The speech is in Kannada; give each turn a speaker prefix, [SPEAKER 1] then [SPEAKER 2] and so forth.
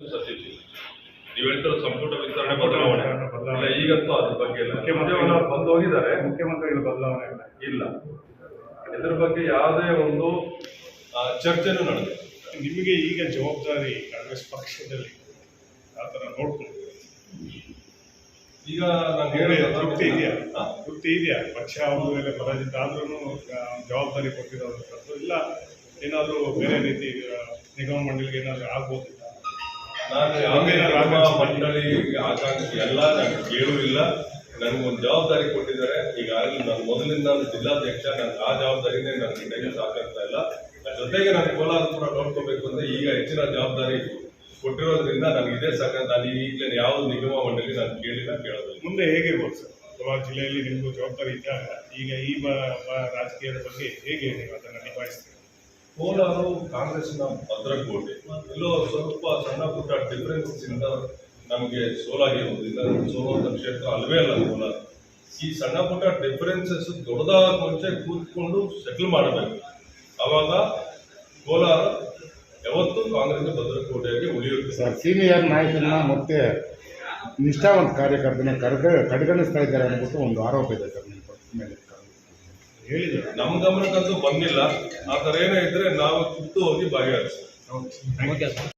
[SPEAKER 1] ನೀವು ಹೇಳ್ತಿರೋ ಸಂಪುಟ ವಿಸ್ತರಣೆ ಬದಲಾವಣೆ ಇಲ್ಲ, ಈಗಂತೂ ಅದ್ರ ಬಗ್ಗೆ ಇಲ್ಲ. ಮುಖ್ಯಮಂತ್ರಿಗಳು ಬಂದು ಹೋಗಿದ್ದಾರೆ, ಮುಖ್ಯಮಂತ್ರಿಗಳು ಬದಲಾವಣೆ ಇಲ್ಲ. ಇದ್ರ ಬಗ್ಗೆ ಯಾವುದೇ ಒಂದು ಚರ್ಚೆನೂ ನಡೆದಿಲ್ಲ.
[SPEAKER 2] ನಿಮಗೆ ಈಗ ಜವಾಬ್ದಾರಿ ಕಾಂಗ್ರೆಸ್ ಪಕ್ಷದಲ್ಲಿ ಆ ಥರ ನೋಡ್ಕೊಂಡು
[SPEAKER 1] ಈಗ ನಾನು
[SPEAKER 2] ತೃಪ್ತಿ ಇದೆಯಾ ಪಕ್ಷ ಅವ್ರ ಮೇಲೆ ಪರಾಜಿತ ಆದ್ರೂ ಜವಾಬ್ದಾರಿ ಕೊಟ್ಟಿರೋದು ಇಲ್ಲ ಏನಾದರೂ ಬೇರೆ ರೀತಿ ನಿಗಮ ಮಂಡಳಿಗೆ ಏನಾದರೂ ಆಗ್ಬೋದು?
[SPEAKER 1] ನಾನು ಮಂಡಳಿ ಆಕಾಂಕ್ಷಿ ಎಲ್ಲ ನಾನು ಕೇಳೂ ಇಲ್ಲ. ನನಗೊಂದು ಜವಾಬ್ದಾರಿ ಕೊಟ್ಟಿದ್ದಾರೆ. ಈಗಾಗಲೇ ನಾನು ಮೊದಲಿಂದ ಜಿಲ್ಲಾಧ್ಯಕ್ಷ, ನನಗೆ ಆ ಜವಾಬ್ದಾರಿನೇ ನನಗೆ ಕೈಗೆ ಸಾಕಾಗ್ತಾ ಇಲ್ಲ. ಜೊತೆಗೆ ನಾನು ಕೋಲಾರಪುರ ನೋಡ್ಕೋಬೇಕು ಅಂದ್ರೆ ಈಗ ಹೆಚ್ಚಿನ ಜವಾಬ್ದಾರಿ ಕೊಟ್ಟಿರೋದ್ರಿಂದ ನನಗೆ ಇದೇ ಸಾಕ. ನಾನು ಈಗಲೇ ಯಾವ ನಿಗಮ ಮಂಡಳಿ ನಾನು ಕೇಳಿಲ್ಲ, ಕೇಳೋದು.
[SPEAKER 2] ಮುಂದೆ ಹೇಗಿರ್ಬೋದು ಸರ್? ಕೋಲಾರ ಜಿಲ್ಲೆಯಲ್ಲಿ ನಿಮಗೂ ಜವಾಬ್ದಾರಿ ಇದ್ದಾಗ ಈಗ ಈ ರಾಜಕೀಯದ ಬಗ್ಗೆ ಹೇಗೆ ನೀವು ಅದನ್ನು ನಿಭಾಯಿಸ್ತೀರಿ?
[SPEAKER 1] ಕೋಲಾರ ಕಾಂಗ್ರೆಸ್ನ ಭದ್ರಕೋಟೆ. ಎಲ್ಲೋ ಸ್ವಲ್ಪ ಸಣ್ಣ ಪುಟ್ಟ ಡಿಫರೆನ್ಸಸ್ ಇಂದ ನಮಗೆ ಸೋಲಾಗಿರುವುದಿಲ್ಲ. ಸೋಲುವಂತ ಕ್ಷೇತ್ರ ಅಲ್ವೇ ಅಲ್ಲ ಕೋಲಾರ. ಈ ಸಣ್ಣ ಪುಟ್ಟ ಡಿಫರೆನ್ಸಸ್ ದೊಡ್ಡದಾದ ಮುಂಚೆ ಕೂತ್ಕೊಂಡು ಸೆಟಲ್ ಮಾಡಬೇಕು. ಅವಾಗ ಕೋಲಾರ ಯಾವತ್ತೂ ಕಾಂಗ್ರೆಸ್ ಭದ್ರಕೋಟೆಯಾಗಿ ಉಳಿಯುತ್ತೆ.
[SPEAKER 3] ಸರ್, ಸೀನಿಯರ್ ನಾಯಕನ ಮತ್ತೆ ನಿಷ್ಠಾವಂತ ಕಾರ್ಯಕರ್ತನ ಕಡೆಗಣಿಸ್ತಾ ಇದ್ದಾರೆ ಅನ್ನೋದು ಒಂದು ಆರೋಪ ಇದೆ ಸರ್ ನಿಮ್ಮ ಮೇಲೆ.
[SPEAKER 1] ಹೇಳಿದ್ರು, ನಮ್ಮ ಗಮನಕ್ಕಂತೂ ಬಂದಿಲ್ಲ. ಆ ಥರ ಏನೋ ಇದ್ರೆ ನಾವು ಖುದ್ದು ಹೋಗಿ ಭಾಗಿಯಾಗಿಸ್ತೀವಿ.